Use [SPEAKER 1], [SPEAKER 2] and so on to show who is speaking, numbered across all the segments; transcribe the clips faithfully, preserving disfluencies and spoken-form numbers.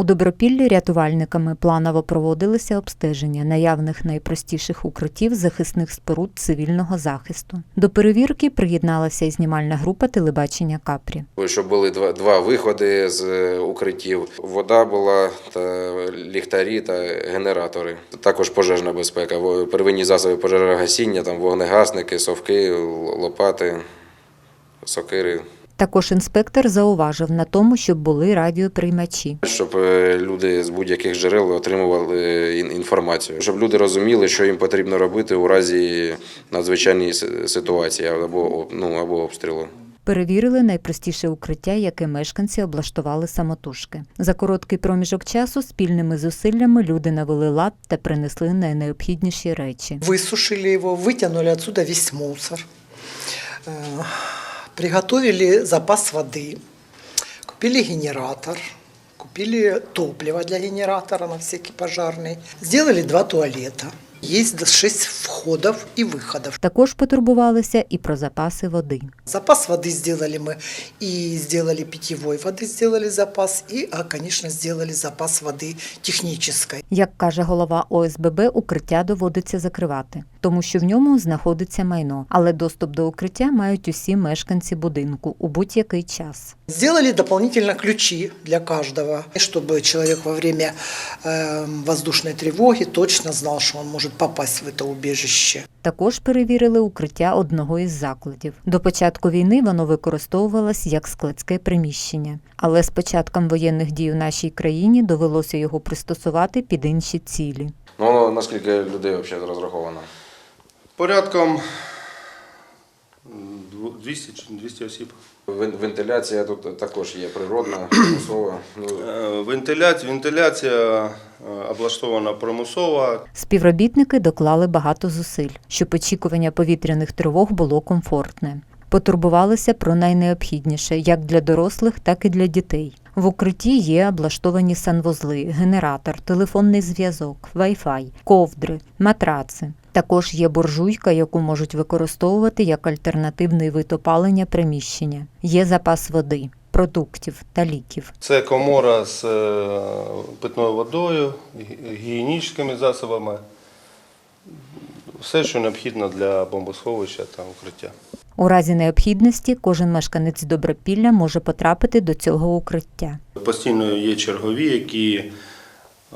[SPEAKER 1] У Добропіллі рятувальниками планово проводилися обстеження наявних найпростіших укриттів захисних споруд цивільного захисту. До перевірки приєдналася і знімальна група телебачення Капрі.
[SPEAKER 2] Щоб були два, два виходи з укриттів. Вода була, та ліхтарі та генератори. Також пожежна безпека, первинні засоби пожежогасіння, там вогнегасники, совки, лопати, сокири.
[SPEAKER 1] Також інспектор зауважив на тому, щоб були радіоприймачі.
[SPEAKER 2] Щоб люди з будь-яких джерел отримували інформацію. Щоб люди розуміли, що їм потрібно робити у разі надзвичайної ситуації або, ну, або обстрілу.
[SPEAKER 1] Перевірили найпростіше укриття, яке мешканці облаштували самотужки. За короткий проміжок часу спільними зусиллями люди навели лад та принесли найнеобхідніші речі.
[SPEAKER 3] Висушили його, витягнули відсюди весь мусор. Приготовили запас воды, купили генератор, купили топливо для генератора на всякий пожарный, сделали два туалета. Есть шесть входов и выходов.
[SPEAKER 1] Також потурбувалися і про запаси води.
[SPEAKER 3] Запас воды сделали мы, и сделали питьевой воды, сделали запас, и, конечно, сделали запас воды технической.
[SPEAKER 1] Як каже голова О С Б Б, укриття доводиться закривати, тому що в ньому знаходиться майно, але доступ до укриття мають усі мешканці будинку у будь-який час.
[SPEAKER 3] Сделали дополнительно ключи для каждого, чтобы человек во время э, воздушной тревоги точно знал, что он может попасть в это убежище.
[SPEAKER 1] Також перевірили укриття одного із закладів. До початку війни воно використовувалось як складське приміщення. Але з початком воєнних дій у нашій країні довелося його пристосувати під інші цілі.
[SPEAKER 2] Ну, наскільки людей взагалі розраховано?
[SPEAKER 4] Порядком двісті осіб.
[SPEAKER 2] Вентиляція тут також є природна, примусова.
[SPEAKER 4] Вентиляція, вентиляція облаштована примусова.
[SPEAKER 1] Співробітники доклали багато зусиль, щоб очікування повітряних тривог було комфортне. Потурбувалися про найнеобхідніше як для дорослих, так і для дітей. В укритті є облаштовані санвузли, генератор, телефонний зв'язок, вай-фай, ковдри, матраци. Також є буржуйка, яку можуть використовувати як альтернативний вид опалення приміщення. Є запас води, продуктів та ліків.
[SPEAKER 4] Це комора з питною водою, гігієнічними засобами. Все, що необхідно для бомбосховища та укриття.
[SPEAKER 1] У разі необхідності кожен мешканець Добропілля може потрапити до цього укриття.
[SPEAKER 4] Постійно є чергові, які е,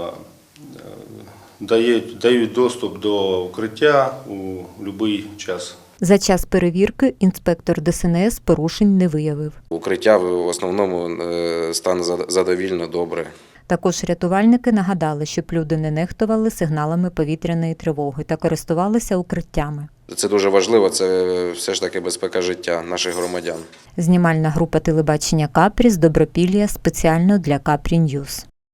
[SPEAKER 4] дають, дають доступ до укриття у будь-який час.
[SPEAKER 1] За час перевірки інспектор Де С Ен С порушень не виявив.
[SPEAKER 2] Укриття в основному стан задовільно добре.
[SPEAKER 1] Також рятувальники нагадали, щоб люди не нехтували сигналами повітряної тривоги та користувалися укриттями.
[SPEAKER 2] Це дуже важливо, це все ж таки безпека життя наших громадян.
[SPEAKER 1] Знімальна група телебачення Капрі з Добропілля спеціально для Капрі Ньюс.